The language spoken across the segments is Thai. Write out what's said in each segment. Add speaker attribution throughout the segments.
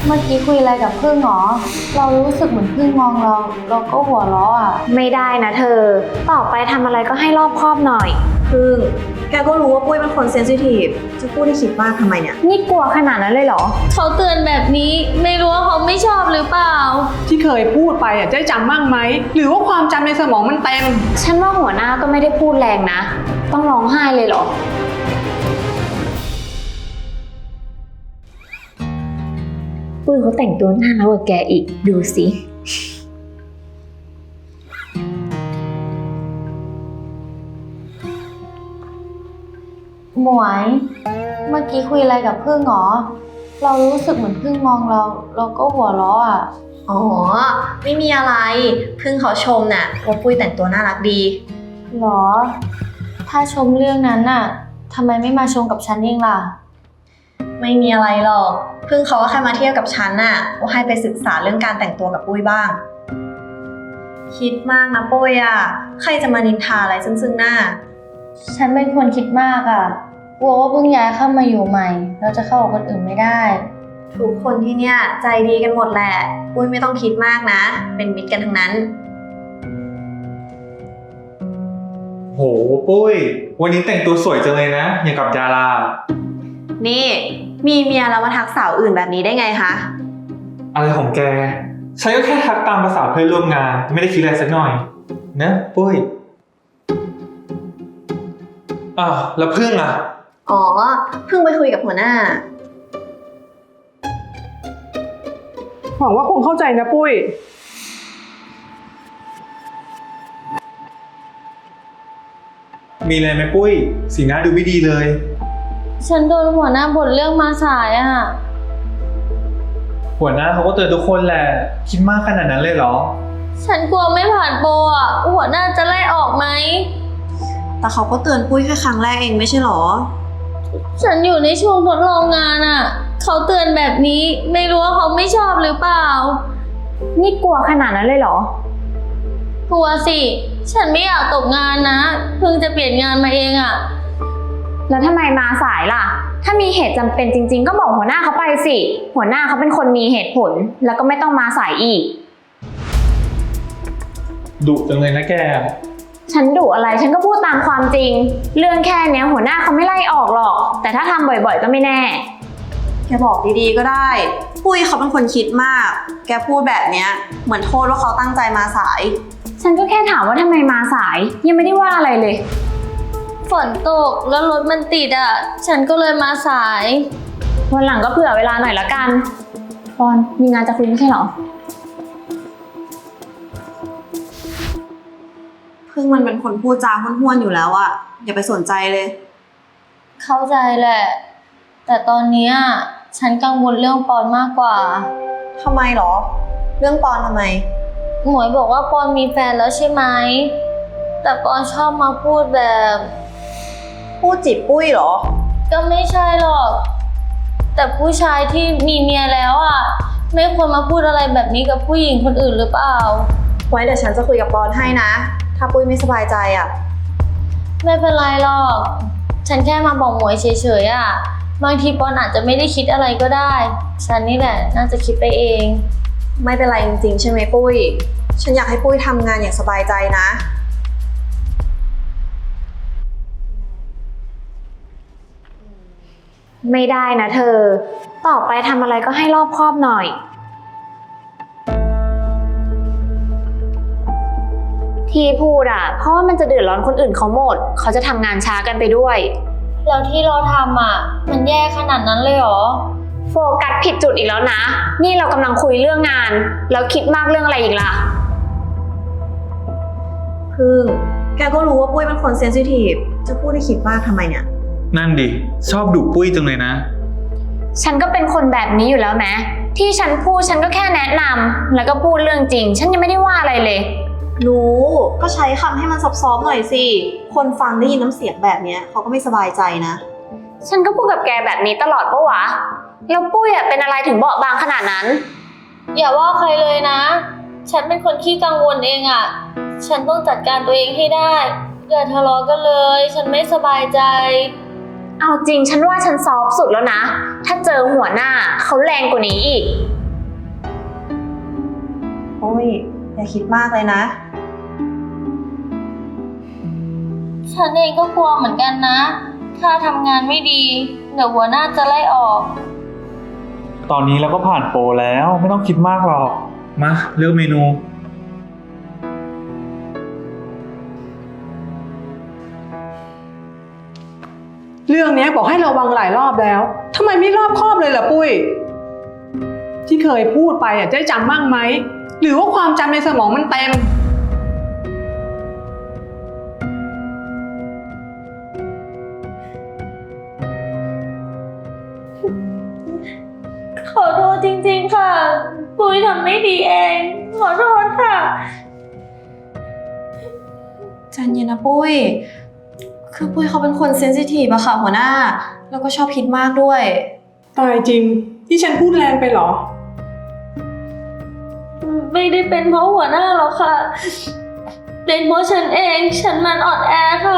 Speaker 1: เมื่อกี้คุยอะไรกับพึ่งหรอเรารู้สึกเหมือนพึ่งมองเราก็หัวเราะอ่ะ
Speaker 2: ไม่ได้นะเธอต่อไปทำอะไรก็ให้รอบคอบหน่อย
Speaker 3: พึ่งแกก็รู้ว่าปุ้ยเป็นคนเซนซิทีฟจะพูดให้คิดมากทำไมเนี่ย
Speaker 2: นี่กลัวขนาดนั้นเลยเหรอ
Speaker 1: เขาเตือนแบบนี้ไม่รู้ว่าเขาไม่ชอบหรือเปล่า
Speaker 4: ที่เคยพูดไปได้จำบ้างไหมหรือว่าความจำในสมองมันเต็ม
Speaker 2: ฉันว่าหัวหน้าก็ไม่ได้พูดแรงนะต้องร้องไห้เลยเหรอปุ้ยเขาแต่งตัวน่ารักกว่าแกอีกดูสิ
Speaker 1: หมวยเมื่อกี้คุยอะไรกับพึ่งหรอเรารู้สึกเหมือนพึ่งมองเราก็หัวเราะอ่ะ
Speaker 3: อ๋อไม่มีอะไรพึ่งเขาชมน่ะว่าปุ้ยแต่งตัวน่ารักดี
Speaker 1: หรอถ้าชมเรื่องนั้นน่ะทำไมไม่มาชมกับฉันเองล่ะ
Speaker 3: ไม่มีอะไรหรอกพึ่งเขาก็แค่มาเที่ยวกับฉันน่ะว่าให้ไปศึกษาเรื่องการแต่งตัวกับปุ้ยบ้างคิดมากนะปุ้ยอ่ะใครจะมานินทาอะไรซึ่งหน้า
Speaker 1: ฉันเป็นคนคิดมากอ่ะกลัวว่าเพิ่งย้ายเข้ามาอยู่ใหม่เราจะเข้ากับคนอื่นไม่ได้
Speaker 3: ทุกคนที่เนี่ยใจดีกันหมดแหละปุ้ยไม่ต้องคิดมากนะเป็นมิตรกันทั้งนั้น
Speaker 5: โหปุ้ยวันนี้แต่งตัวสวยจังเลยนะอย่างกับดารา
Speaker 3: นี่มีเมียแล้วมาทักสาวอื่นแบบนี้ได้ไงคะ
Speaker 5: อะไรของแกฉันก็แค่ทักตามภาษาเพื่อนร่วมงานไม่ได้คิดอะไรสักหน่อยนะปุ้ยแล้วพึ่งอ่ะ
Speaker 3: อ๋อเพิ่งไปคุยกับหัวหน้า
Speaker 4: หวังว่าคงเข้าใจนะปุ้ย
Speaker 5: มีอะไรไหมปุ้ยสีหน้าดูไม่ดีเลย
Speaker 1: ฉันโดนหัวหน้าบ่นเรื่องมาสายอ่ะ
Speaker 5: หัวหน้าเขาก็เตือนทุกคนแหละคิดมากขนาดนั้นเลยเหรอ
Speaker 1: ฉันกลัวไม่ผ่านโปรอ่ะหัวหน้าจะไล่ออกไหม
Speaker 3: แต่เขาก็เตือนปุ้ยแค่ครั้งแรกเองไม่ใช่หรอ
Speaker 1: ฉันอยู่ในช่วงทดลองงานอ่ะเขาเตือนแบบนี้ไม่รู้ว่าเขาไม่ชอบหรือเปล่า
Speaker 2: นี่กลัวขนาดนั้นเลยเหรอ
Speaker 1: กลัวสิฉันไม่อยากตกงานนะเพิ่งจะเปลี่ยนงานมาเองอ่ะ
Speaker 2: แล้วทำไมมาสายล่ะถ้ามีเหตุจำเป็นจริงๆก็บอกหัวหน้าเขาไปสิหัวหน้าเขาเป็นคนมีเหตุผลแล้วก็ไม่ต้องมาสายอีก
Speaker 5: ดุจังเลยนะแก
Speaker 2: ฉันดุอะไรฉันก็พูดตามความจริงเรื่องแค่นี้หัวหน้าเขาไม่ไล่ออกหรอกแต่ถ้าทำบ่อยๆก็ไม่แน่
Speaker 3: แกบอกดีๆก็ได้ปุ้ยเขาเป็นคนคิดมากแกพูดแบบเนี้ยเหมือนโทษว่าเขาตั้งใจมาสาย
Speaker 2: ฉันก็แค่ถามว่าทำไมมาสายยังไม่ได้ว่าอะไรเลย
Speaker 1: ฝนตกแล้วรถมันติดอ่ะฉันก็เลยมาสาย
Speaker 2: วันหลังก็เผื่อเวลาหน่อยละกันปอนมีงานจะคุยไม่ใช่หรอ
Speaker 3: พึ่งมันเป็นคนพูดจาห้วนๆอยู่แล้วอะอย่าไปสนใจเลย
Speaker 1: เข้าใจแหละแต่ตอนนี้ฉันกังวลเรื่องปอนมากกว่า
Speaker 3: ทำไมหรอเรื่องปอนทำไม
Speaker 1: หมวยบอกว่าปอนมีแฟนแล้วใช่ไหมแต่ปอนชอบมาพูดแบบ
Speaker 3: พูดจีบปุ้ยหรอ
Speaker 1: ก็ไม่ใช่หรอกแต่ผู้ชายที่มีเมียแล้วไม่ควรมาพูดอะไรแบบนี้กับผู้หญิงคนอื่นหรือเปล่า
Speaker 3: ไว้เดี๋ยวฉันจะคุยกับปอนให้นะถ้าปุ้ยไม่สบายใจ
Speaker 1: ไม่เป็นไรหรอกฉันแค่มาบอกหมวยเฉยๆบางทีปอนอาจจะไม่ได้คิดอะไรก็ได้ฉันนี่แหละน่าจะคิดไปเอง
Speaker 3: ไม่เป็นไรจริงๆใช่ไหมปุ้ยฉันอยากให้ปุ้ยทำงานอย่างสบายใจนะ
Speaker 2: ไม่ได้นะเธอต่อไปทำอะไรก็ให้รอบคอบหน่อยที่พูดเพราะว่ามันจะเดือดร้อนคนอื่นเขาหมดเขาจะทำงานช้ากันไปด้วย
Speaker 1: แล้วที่เราทำมันแย่ขนาดนั้นเลยเหรอ
Speaker 2: โฟกัสผิดจุดอีกแล้วนะนี่เรากำลังคุยเรื่องงานแล้วคิดมากเรื่องอะไรอีกล่ะ
Speaker 3: พึ่งแกก็รู้ว่าปุ้ยเป็นคนเซนซิทีฟจะพูดให้คิดมากทำไมเนี่ย
Speaker 5: นั่นดิชอบดุปุ้ยจังเลยนะ
Speaker 2: ฉันก็เป็นคนแบบนี้อยู่แล้วแม้ที่ฉันพูดฉันก็แค่แนะนำแล้วก็พูดเรื่องจริงฉันยังไม่ได้ว่าอะไรเลย
Speaker 3: รู้ก็ใช้คำให้มันซอฟๆหน่อยสิคนฟังได้ยินน้ำเสียงแบบนี้เขาก็ไม่สบายใจนะ
Speaker 2: ฉันก็พูดกับแกแบบนี้ตลอดปะวะแล้วปุ้ยเป็นอะไรถึงเบาบางขนาดนั้น
Speaker 1: อย่าว่าใครเลยนะฉันเป็นคนขี้กังวลเองฉันต้องจัดการตัวเองให้ได้อย่าทะเลาะกันเลยฉันไม่สบายใจ
Speaker 2: เอาจริงฉันว่าฉันซอฟต์สุดแล้วนะ ถ้าเจอหัวหน้าเขาแรงกว่านี้อีก
Speaker 3: ปุ้ยอย่าคิดมากเลยนะ
Speaker 1: ฉันเองก็กลัวเหมือนกันนะ ถ้าทำงานไม่ดี เดี๋ยวหัวหน้าจะไล่ออก
Speaker 5: ตอนนี้เราก็ผ่านโปรแล้วไม่ต้องคิดมากหรอก มาเลือกเมนู
Speaker 4: เรื่องเนี้ยบอกให้ระวังหลายรอบแล้วทำไมไม่รอบคอบเลยล่ะปุ้ย ที่เคยพูดไปได้จำบ้างไหม หรือว่าความจำในสมองมันเต็ม
Speaker 1: ขอโทษจริงๆค่ะ ปุ้ยทำไม่ดีเอง ขอโทษค่ะ
Speaker 3: ใจเย็นนะปุ้ย คือปุ้ยเขาเป็นคนเซนซิทีฟอะค่ะหัวหน้า แล้วก็ชอบคิดมากด้วย
Speaker 4: ตายจริงที่ฉันพูดแรงไปเหรอ
Speaker 1: ไม่ได้เป็นเพราะหัวหน้าหรอกค่ะ เป็นเพราะฉันเอง ฉันมันอ่อนแอค่ะ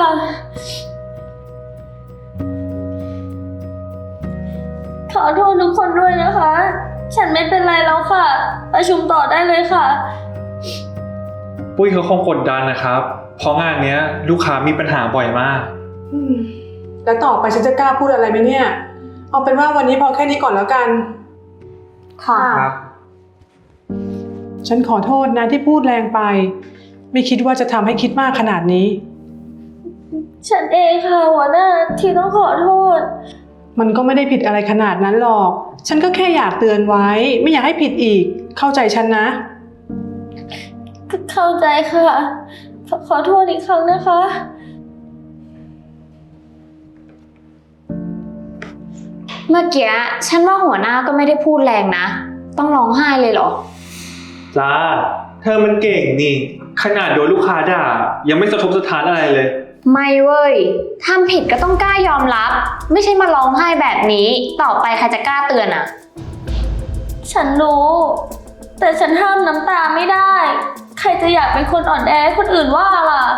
Speaker 1: ขอโทษทุกคนด้วยนะคะ ฉันไม่เป็นไรแล้วค่ะ ประชุมต่อได้เลยค่ะ
Speaker 5: ปุ้ยเขาคงกดดันนะครับ เพราะงานเนี้ยลูกค้ามีปัญหาบ่อยมาก
Speaker 4: แล้วต่อไปฉันจะกล้าพูดอะไรไหมเนี่ย เอาเป็นว่าวันนี้พอแค่นี้ก่อนแล้วกัน
Speaker 2: ค่ะ
Speaker 5: ครับ
Speaker 4: ฉันขอโทษนะที่พูดแรงไป ไม่คิดว่าจะทำให้คิดมากขนาดนี้
Speaker 1: ฉันเองค่ะหัวหน้าที่ต้องขอโทษ
Speaker 4: มันก็ไม่ได้ผิดอะไรขนาดนั้นหรอก ฉันก็แค่อยากเตือนไว้ ไม่อยากให้ผิดอีก เข้าใจฉันนะ
Speaker 1: เข้าใจค่ะ ขอโทษอีกครั้งนะคะ
Speaker 2: เมื่อกี้ฉันว่าหัวหน้าก็ไม่ได้พูดแรงนะ ต้องร้องไห้เลยเหรอ
Speaker 5: จ้า เธอมันเก่งนี่ ขนาดโดนลูกค้าด่า ยังไม่สะทกสะท้านอะไรเลย
Speaker 2: ไม่เว้ยทำผิดก็ต้องกล้ายอมรับ ไม่ใช่มาร้องไห้แบบนี้ ต่อไปใครจะกล้าเตือนอะ
Speaker 1: ฉันรู้ แต่ฉันห้ามน้ำตาไม่ได้ ใครจะอยากเป็นคนอ่อนแอให้คนอื่นว่าล่ะ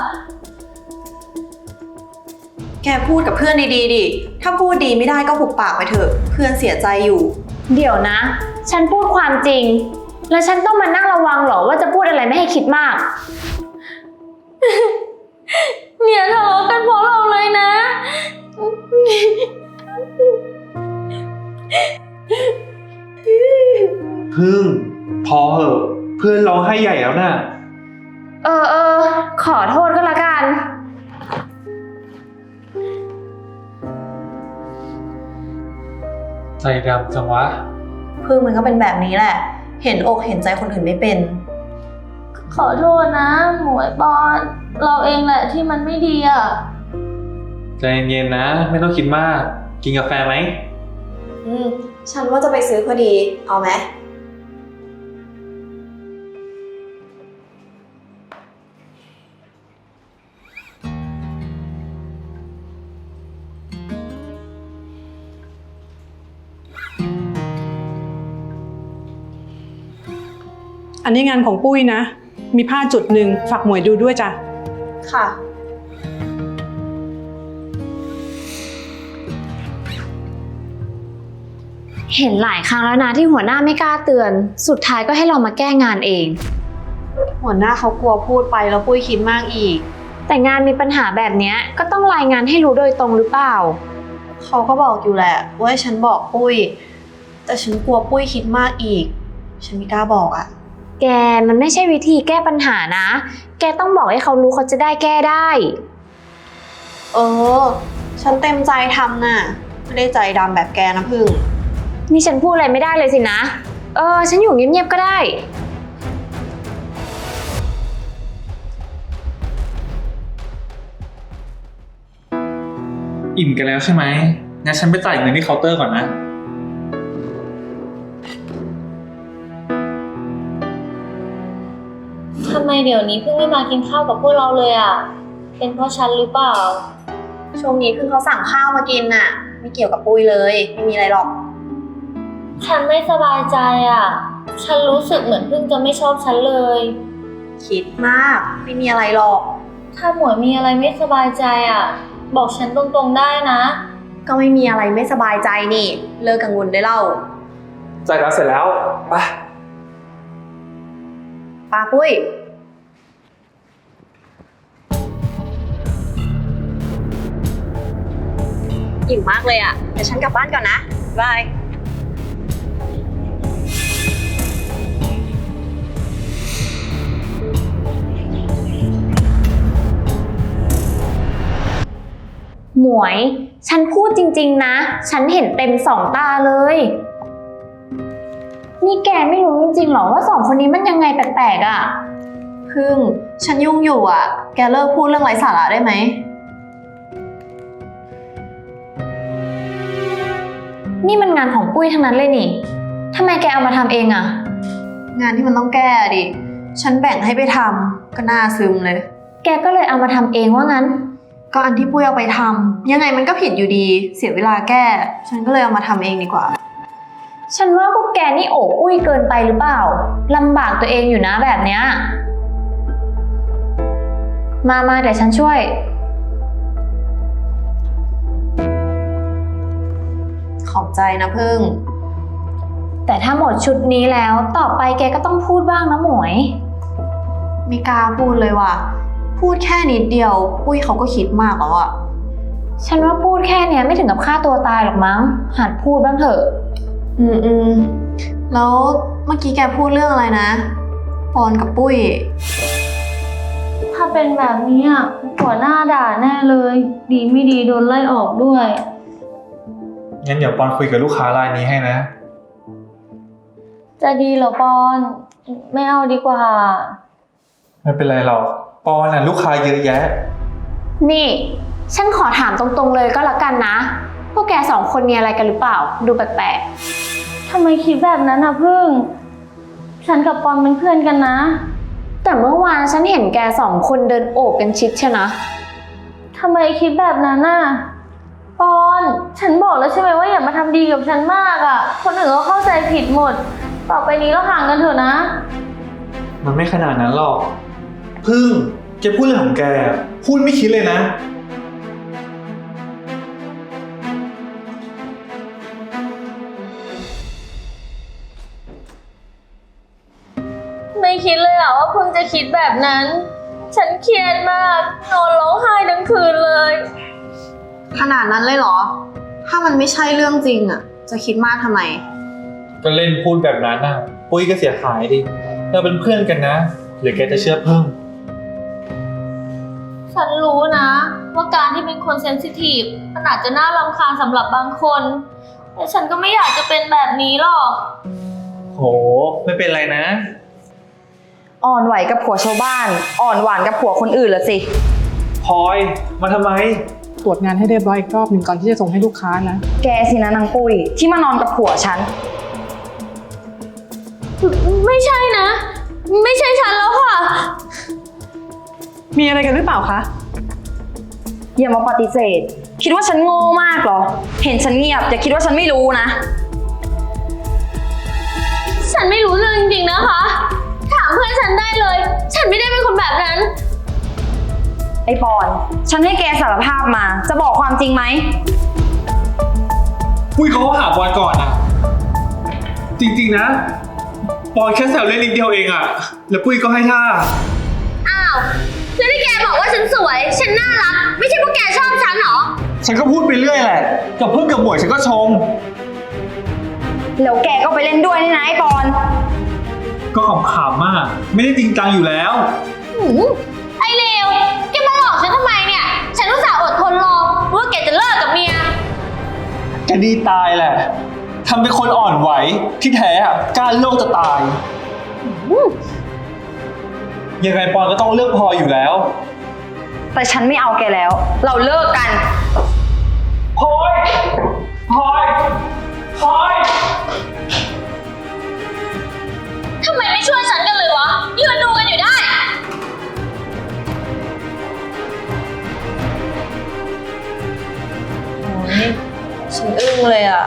Speaker 3: แกพูดกับเพื่อนดีๆดิ ถ้าพูดดีไม่ได้ก็หุบปากไปเถอะ เพื่อนเสียใจอยู่
Speaker 2: เดี๋ยวนะ ฉันพูดความจริง แล้วฉันต้องมานั่งระวังเหรอว่าจะพูดอะไรไม่ให้คิดมาก
Speaker 1: เนี่ยทะเลาะกันเพราะเราเลยนะ
Speaker 5: พึ่ง พอเหอะเพื่อนร้องไห้ใหญ่แล้วน่ะ
Speaker 2: เออ ขอโทษก็แล้วกัน
Speaker 5: ใจดำจังวะ
Speaker 3: พึ่งมันก็เป็นแบบนี้แหละ เห็นอกเห็นใจคนอื่นไม่เป็น
Speaker 1: ขอโทษนะ หมวยปอน เราเองแหละที่มันไม่ดีอ่ะ
Speaker 5: ใจเย็นๆนะ ไม่ต้องคิดมาก กินกาแฟไหม
Speaker 3: ฉันว่าจะไปซื้อพอดี เอาไหม
Speaker 4: อันนี้งานของปุ้ยนะ มีผ้าจุดหนึ่งฝากหมวยดูด้วยจ้ะ
Speaker 3: ค่ะ
Speaker 2: เห็นหลายครั้งแล้วนะที่หัวหน้าไม่กล้าเตือน สุดท้ายก็ให้เรามาแก้งานเอง
Speaker 3: หัวหน้าเขากลัวพูดไปแล้วปุ้ยคิดมากอีก
Speaker 2: แต่งานมีปัญหาแบบเนี้ยก็ต้องรายงานให้รู้โดยตรงหรือเปล่า
Speaker 3: เขาก็บอกอยู่แหละว่าให้ฉันบอกปุ้ย แต่ฉันกลัวปุ้ยคิดมากอีก ฉันไม่กล้าบอกอะ
Speaker 2: แกมันไม่ใช่วิธีแก้ปัญหานะ แกต้องบอกให้เขารู้เขาจะได้แก้ได้
Speaker 3: ฉันเต็มใจทำน่ะ ไม่ได้ใจดำแบบแกนะพึ่ง
Speaker 2: นี่ฉันพูดอะไรไม่ได้เลยสินะ ฉันอยู่เงียบๆก็ได้
Speaker 5: อิ่มกันแล้วใช่ไหมงั้นฉันไปจ่ายเงินที่เคาน์เตอร์ก่อนนะ
Speaker 1: ทำไมเดี๋ยวนี้เพิ่งไม่มากินข้าวกับพวกเราเลยอ่ะ เป็นเพราะฉันหรือเปล่า
Speaker 3: ช่วงนี้พึ่งเขาสั่งข้าวมากินน่ะ ไม่เกี่ยวกับปุ้ยเลย ไม่มีอะไรหรอก
Speaker 1: ฉันไม่สบายใจอ่ะ ฉันรู้สึกเหมือนเพิ่งจะไม่ชอบฉันเลย
Speaker 3: คิดมาก ไม่มีอะไรหรอก
Speaker 1: ถ้าหมวยมีอะไรไม่สบายใจอ่ะ บอกฉันตรงๆได้นะ
Speaker 3: ก็ไม่มีอะไรไม่สบายใจนี่ เลิกกังวลได้เล่า
Speaker 5: จ่ายการเสร็จแล้วไป
Speaker 3: ปาปุ้ย อิ่มมากเลยอะเดี๋ยวฉันกลับบ้านก่อนนะบาย
Speaker 2: หมวย ฉันพูดจริงๆนะ ฉันเห็นเต็มสองตาเลย นี่แกไม่รู้จริงๆหรอว่าสองคนนี้มันยังไงแปลกๆอ่ะ
Speaker 3: พึ่ง ฉันยุ่งอยู่อะแกเลิกพูดเรื่องไร้สาระได้ไหม
Speaker 2: นี่มันงานของปุ้ยทั้งนั้นเลยนี่ทำไมแกเอามาทำเองอ่ะ
Speaker 3: งานที่มันต้องแก้ดิ ฉันแบ่งให้ไปทำก็น่าซึมเลย
Speaker 2: แกก็เลยเอามาทำเองว่างั้น
Speaker 3: ก็อันที่ปุ้ยเอาไปทำยังไงมันก็ผิดอยู่ดี เสียเวลาแก้ ฉันก็เลยเอามาทำเองดีกว่า
Speaker 2: ฉันว่าพวกแกนี่โอบปุ้ยเกินไปหรือเปล่าลำบากตัวเองอยู่นะแบบเนี้ยมาเดี๋ยวฉันช่วย
Speaker 3: ขอบใจนะพึ่ง
Speaker 2: แต่ถ้าหมดชุดนี้แล้วต่อไปแกก็ต้องพูดบ้างนะหมวย
Speaker 3: ไม่กล้าพูดเลยว่ะ พูดแค่นิดเดียว ปุ้ยเขาก็คิดมากแล้วอะ
Speaker 2: ฉันว่าพูดแค่เนี้ยไม่ถึงกับฆ่าตัวตายหรอกมั้งหัดพูดบ้างเถอะ
Speaker 3: แล้วเมื่อกี้แกพูดเรื่องอะไรนะ ปอนกับปุ้ย
Speaker 1: ถ้าเป็นแบบนี้อ่ะหัวหน้าด่าแน่เลย ดีไม่ดีโดนไล่ออกด้วย
Speaker 5: งั้นเดี๋ยวปอนคุยกับลูกค้ารายนี้ให้นะ
Speaker 1: จะดีเหรอปอน ไม่เอาดีกว่า
Speaker 5: ไม่เป็นไรหรอก ปอนน่ะลูกค้าเยอะแยะ
Speaker 2: นี่ฉันขอถามตรงๆเลยก็แล้วกันนะ พวกแกสองคนมีอะไรกันหรือเปล่าดูแปลก
Speaker 1: ทำไมคิดแบบนั้นอ่ะพึ่ง ฉันกับปอนเป็นเพื่อนกันนะ
Speaker 2: ๆแต่เมื่อวานฉันเห็นแกสองคนเดินโอบกันชิดใช่นะ
Speaker 1: ทำไมคิดแบบนั้นน่ะ ปอน ฉันบอกแล้วใช่ไหมว่าอย่ามาทำดีกับฉันมากอ่ะ คนอื่นก็เข้าใจผิดหมด ต่อไปนี้เราห่างกันเถอะนะ
Speaker 5: มันไม่ขนาดนั้นหรอก พึ่งแกพูดเรื่องของแกพูดไม่คิดเลยนะ
Speaker 1: ไม่คิดเลยอ่ะว่าพึ่งจะคิดแบบนั้น ฉันเครียดมาก นอนร้องไห้ทั้งคืนเลย
Speaker 3: ขนาดนั้นเลยเหรอ ถ้ามันไม่ใช่เรื่องจริงอะจะคิดมากทำไม
Speaker 5: ก็เล่นพูดแบบนั้นน่ะ ปุ้ยก็เสียหายดิ เราเป็นเพื่อนกันนะ หรือแกจะเชื่อพึ่ง
Speaker 1: ฉันรู้นะ ว่าการที่เป็นคนเซนซิทีฟมันอาจจะน่ารำคาญสำหรับบางคน แต่ฉันก็ไม่อยากจะเป็นแบบนี้หรอก
Speaker 5: โห ไม่เป็นไรนะ
Speaker 6: อ่อนไหวกับผัวชาวบ้าน อ่อนหวานกับผัวคนอื่นละสิ
Speaker 5: พลอย มาทำไม
Speaker 4: ตรวจงานให้เรียบร้อยอีกรอบหนึ่งก่อนที่จะส่งให้ลูกค้านะ
Speaker 6: แกสินะนางปุ้ยที่มานอนกับผัวฉัน
Speaker 1: ไม่ใช่นะ ไม่ใช่ฉันแล้วค่ะ
Speaker 4: มีอะไรกันหรือเปล่าคะ
Speaker 6: อย่ามาปฏิเสธ คิดว่าฉันโง่มากเหรอ เห็นฉันเงียบอย่าคิดว่าฉันไม่รู้นะ
Speaker 1: ฉันไม่รู้เรื่องจริงๆนะคะ ถามเพื่อนฉันได้เลย ฉันไม่ได้เป็นคนแบบนั้น
Speaker 6: ไอ้ปอน ฉันให้แกสารภาพมา จะบอกความจริงไหม
Speaker 5: ปุ้ยเขาก็หาปอนก่อนอะจริงๆนะ ปอนแค่แซวเล่นนิดเดียวเองอะแล้วปุ้ยก็ให้ท่า
Speaker 1: อ้าวแล้วที่แกบอกว่าฉันสวย ฉันน่ารัก ไม่ใช่พวกแกชอบฉันเหรอ
Speaker 5: ฉันก็พูดไปเรื่อยแหละ กับเพื่อนกับหมวยฉันก็ชม
Speaker 6: แล้วแกก็ไปเล่นด้วยนี่นะไอ้ปอน
Speaker 5: ก็ขำๆมาก ไม่ได้จริงจังอยู่แล้ว
Speaker 1: ไอ้เลวแกมาหลอกฉันทำไมเนี่ย ฉันอุตส่าห์อดทนรอว่าแกจะเลิกกับเมีย
Speaker 5: แกดีตายแหละ ทำเป็นคนอ่อนไหว ที่แท้อะกล้าโลกจะตาย ยังไงปอนก็ต้องเลือกพลอยอยู่แล้ว
Speaker 6: แต่ฉันไม่เอาแกแล้ว เราเลิกกัน
Speaker 5: พลอยพลอยพลอย
Speaker 1: ทำไมไม่ช่วยฉันกันเลยวะ ยืนดูกันอยู่ได้
Speaker 3: ฉันอึ้งเลยอะ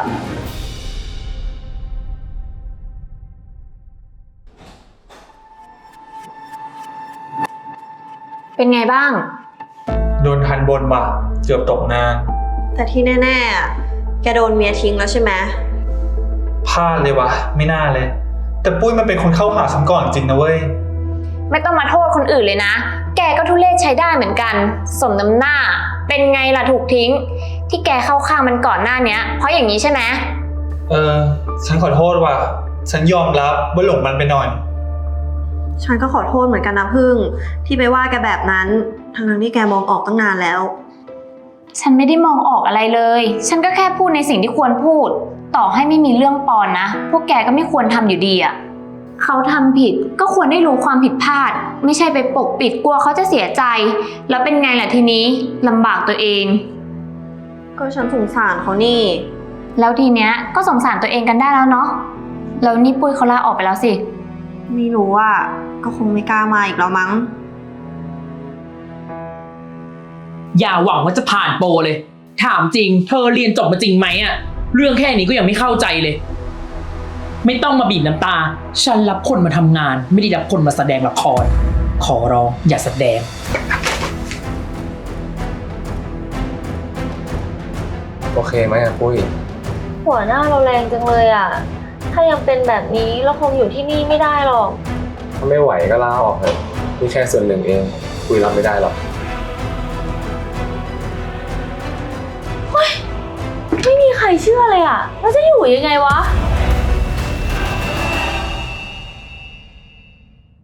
Speaker 2: เป็นไงบ้าง
Speaker 5: โดนทันบนว่ะเกือบตกนา
Speaker 3: แต่ที่แน่ๆอะแกโดนเมียทิ้งแล้วใช่ไหม
Speaker 5: พลาดเลยวะไม่น่าเลย แต่ปุ้ยมันเป็นคนเข้าหาฉันก่อนจริงนะเว้ย
Speaker 2: ไม่ต้องมาโทษคนอื่นเลยนะ แกก็ทุเรศใช้ได้เหมือนกัน สมน้ำหน้า เป็นไงล่ะถูกทิ้ง ที่แกเข้าข้างมันก่อนหน้าเนี้ย เพราะอย่างนี้ใช่ไหม
Speaker 5: ฉันขอโทษว่ะ ฉันยอมรับว่าหลงมันไปหน่อย
Speaker 3: ฉันก็ขอโทษเหมือนกันนะพึ่งที่ไปว่าแกแบบนั้นทั้งที่แกมองออกตั้งนานแล้ว
Speaker 2: ฉันไม่ได้มองออกอะไรเลย ฉันก็แค่พูดในสิ่งที่ควรพูด ต่อให้ไม่มีเรื่องปอนนะ พวกแกก็ไม่ควรทำอยู่ดีอะเขาทำผิดก็ควรได้รู้ความผิดพลาด ไม่ใช่ไปปกปิดกลัวเขาจะเสียใจ แล้วเป็นไงล่ะทีนี้ลำบากตัวเอง
Speaker 3: ก็ฉันสงสารเขานี่
Speaker 2: แล้วทีเนี้ยก็สงสารตัวเองกันได้แล้วเนาะ แล้วนี่ปุ้ยเขาลาออกไปแล้วสิ
Speaker 3: ไม่รู้ว่าก็คงไม่กล้ามาอีกแล้วมั้ง
Speaker 7: อย่าหวังว่าจะผ่านโปรเลย ถามจริง เธอเรียนจบมาจริงไหมอะเรื่องแค่นี้ก็ยังไม่เข้าใจเลย ไม่ต้องมาบีบน้ำตา ฉันรับคนมาทำงาน ไม่ได้รับคนมาแสดงละคร ขอร้องอย่าแสดง
Speaker 8: โอเคไหมอะปุ้ย
Speaker 1: หัวหน้าเราแรงจังเลยอ่ะ ถ้ายังเป็นแบบนี้เราคงอยู่ที่นี่ไม่ได้หรอก
Speaker 8: ถ้าไม่ไหวก็ลาออกเถอะนี่แค่ส่วนหนึ่งเองปุ้ยรับไม่ได้หรอก
Speaker 1: ไม่มีใครเชื่อเลยอ่ะ แล้วจะอยู่ยังไงวะ